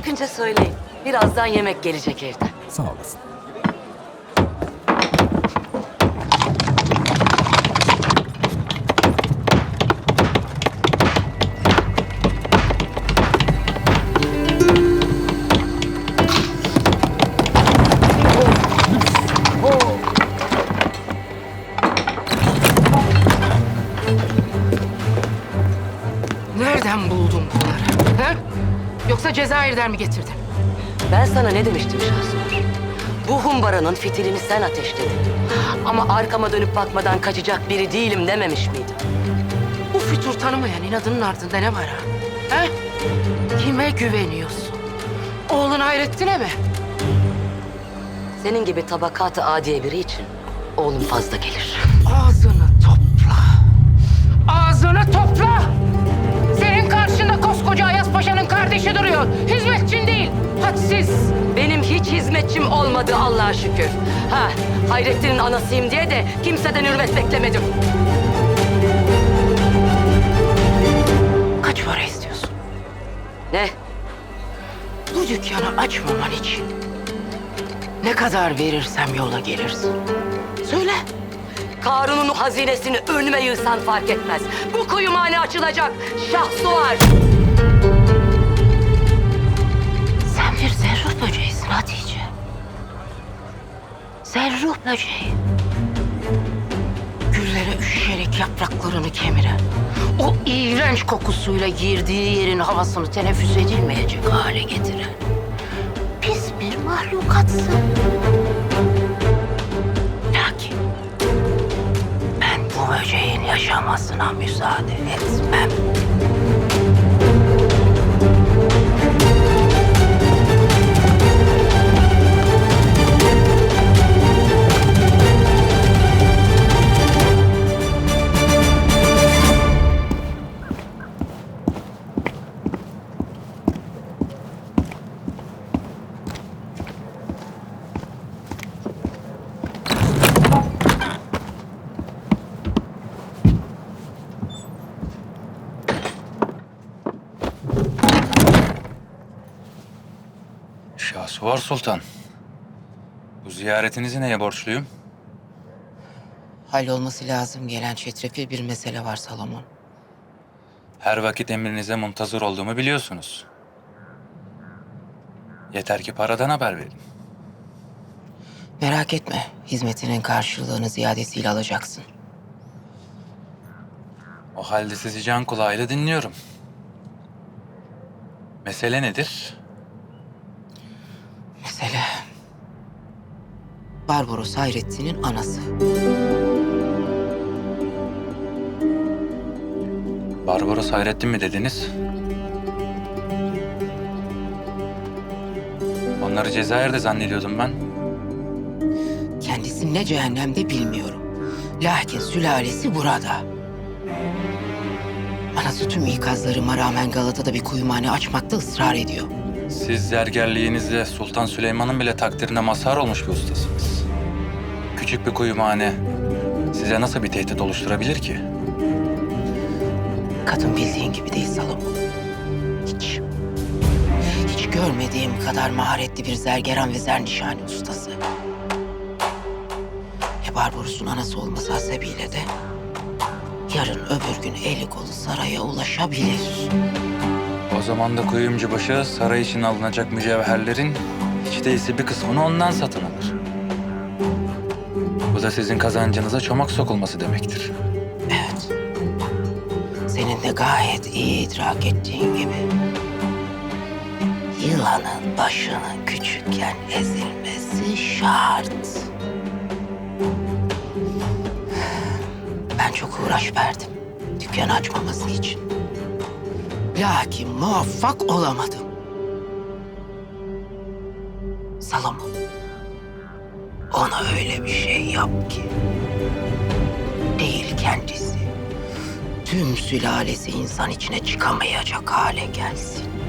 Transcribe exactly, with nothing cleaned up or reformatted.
çıkınca söyleyin. Birazdan yemek gelecek evden. Sağ olasın. Nereden buldun bunları? Ha? Yoksa Cezayir'den mi getirdin? Ben sana ne demiştim Şahsur? Bu humbaranın fitilini sen ateşledin. Ama arkama dönüp bakmadan kaçacak biri değilim dememiş miydim? Bu fütur tanımayan inadının ardında ne var ha? Ha? Kime güveniyorsun? Oğlun Hayrettin'e mi? Senin gibi tabakat-ı adiye biri için oğlum fazla gelir. Ağzını topla. Ağzını topla! Senin karşında koskoca Ayas Paşa'nın kardeşi duruyor. Hizmetçin değil, hadsiz. Benim hiç hizmetçim olmadı Allah'a şükür. Ha, Hayrettin'in anasıyım diye de kimseden hürmet beklemedim. Kaç para istiyorsun? Ne? Bu dükkanı açmaman için ne kadar verirsem yola gelirsin. Söyle. Karun'un hazinesini önüme yığsan fark etmez. Bu kuyumhane açılacak. Şahsuvar. Sen bir zerruh böceğisin Hatice. Zerruh böceği. Güllere üşüşerek yapraklarını kemiren, o iğrenç kokusuyla girdiği yerin havasını teneffüs edilmeyecek hale getiren pis bir mahlukatsın. Lakin ben bu böceğin yaşamasına müsaade etmem. Şahsuvar Sultan. Bu ziyaretinizi neye borçluyum? Hallolması lazım gelen çetrefil bir mesele var Salomon. Her vakit emrinize muntazır olduğumu biliyorsunuz. Yeter ki paradan haber verin. Merak etme, hizmetinin karşılığını ziyadesiyle alacaksın. O halde sizi can kulağıyla dinliyorum. Mesele nedir? Mesele... Barbaros Hayrettin'in anası. Barbaros Hayrettin mi dediniz? Onları Cezayir'de zannediyordum ben. Kendisi ne cehennemde bilmiyorum. Lakin sülalesi burada. Anası tüm ikazlarıma rağmen Galata'da bir kuyumhane açmakta ısrar ediyor. Siz zergerliğinizle Sultan Süleyman'ın bile takdirine mazhar olmuş bir ustasınız. Küçük bir kuyumhane size nasıl bir tehdit oluşturabilir ki? Kadın bildiğin gibi değil Salomon. Hiç. Hiç görmediğim kadar maharetli bir zergeran ve zernişani ustası. E Barbaros'un anası olması hasebiyle de yarın öbür gün eli kolu saraya ulaşabilir. O zaman da kuyumcubaşı saray için alınacak mücevherlerin hiç değilse bir kısmını ondan satın alır. Bu da sizin kazancınıza çomak sokulması demektir. Evet. Senin de gayet iyi idrak ettiğin gibi. Yılanın başının küçükken ezilmesi şart. Ben çok uğraş verdim dükkanı açmaması için. Lakin muvaffak olamadım. Salomon, ona öyle bir şey yap ki değil kendisi, tüm sülalesi insan içine çıkamayacak hale gelsin.